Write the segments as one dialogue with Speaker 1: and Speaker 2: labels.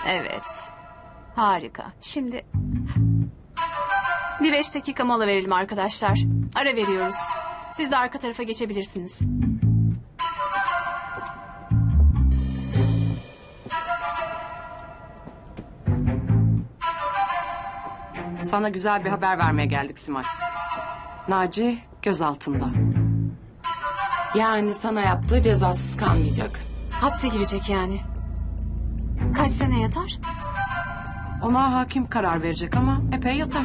Speaker 1: Evet. Harika. Şimdi bir 5 dakika mola verelim arkadaşlar. Ara veriyoruz. Siz de arka tarafa geçebilirsiniz.
Speaker 2: Sana güzel bir haber vermeye geldik Simay. Naci gözaltında.
Speaker 3: Yani sana yaptığı cezasız kalmayacak.
Speaker 1: Hapse girecek yani. Kaç sene yatar?
Speaker 2: Ona hakim karar verecek ama epey yatar.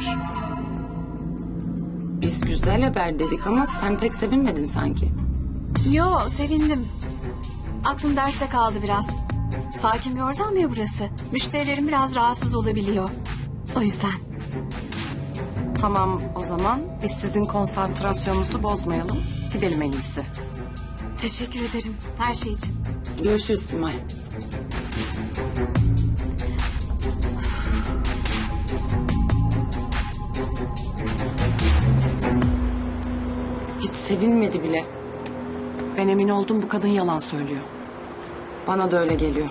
Speaker 3: Biz güzel haber dedik ama sen pek sevinmedin sanki.
Speaker 1: Yo, sevindim. Aklım derste kaldı biraz. Sakin bir ortam ya burası. Müşterilerim biraz rahatsız olabiliyor. O yüzden.
Speaker 2: Tamam o zaman biz sizin konsantrasyonunuzu bozmayalım. Gidelim en iyisi.
Speaker 1: Teşekkür ederim her şey için.
Speaker 3: Görüşürüz Simay. Hiç sevinmedi bile.
Speaker 2: Ben emin oldum bu kadın yalan söylüyor.
Speaker 3: Bana da öyle geliyor.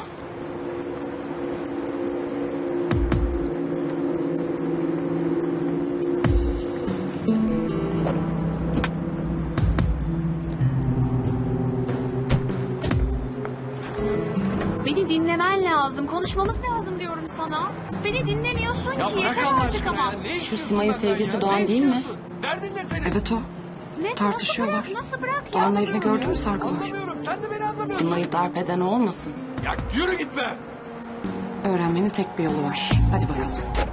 Speaker 1: Beni dinlemen lazım. Konuşmamız lazım diyorum sana. Beni dinlemiyorsun
Speaker 4: Ya
Speaker 1: ki.
Speaker 4: bırak
Speaker 1: Yeter
Speaker 4: Allah
Speaker 1: artık
Speaker 4: aşkına
Speaker 1: ama.
Speaker 4: ya. Ne
Speaker 3: Şu
Speaker 4: istiyorsun
Speaker 3: Simay'ın
Speaker 4: benden
Speaker 3: sevgisi
Speaker 4: ya?
Speaker 3: Doğan
Speaker 4: Ne
Speaker 3: değil mi?
Speaker 4: istiyorsun? Derdin ne senin?
Speaker 2: Evet o.
Speaker 1: Ne?
Speaker 2: Tartışıyorlar.
Speaker 1: Nasıl bırak ya?
Speaker 2: Doğan'la elini gördün mü sargılar?
Speaker 4: Anlamıyorum. Sen de beni anlamıyorsun.
Speaker 3: Simay'ı darp eden o olmasın?
Speaker 4: Ya yürü gitme.
Speaker 2: Öğrenmenin tek bir yolu var. Hadi bakalım.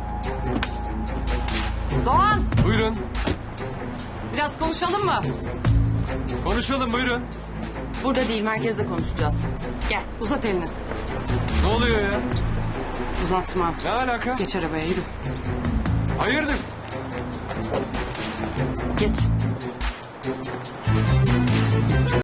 Speaker 3: Doğan!
Speaker 4: Buyurun.
Speaker 2: Biraz konuşalım mı?
Speaker 4: Konuşalım buyurun.
Speaker 3: Burada değil, merkezde konuşacağız.
Speaker 2: Gel uzat elini.
Speaker 4: Ne oluyor ya?
Speaker 2: Uzatma.
Speaker 4: Ne alaka?
Speaker 2: Geç arabaya yürü.
Speaker 4: Hayırdır?
Speaker 3: Geç.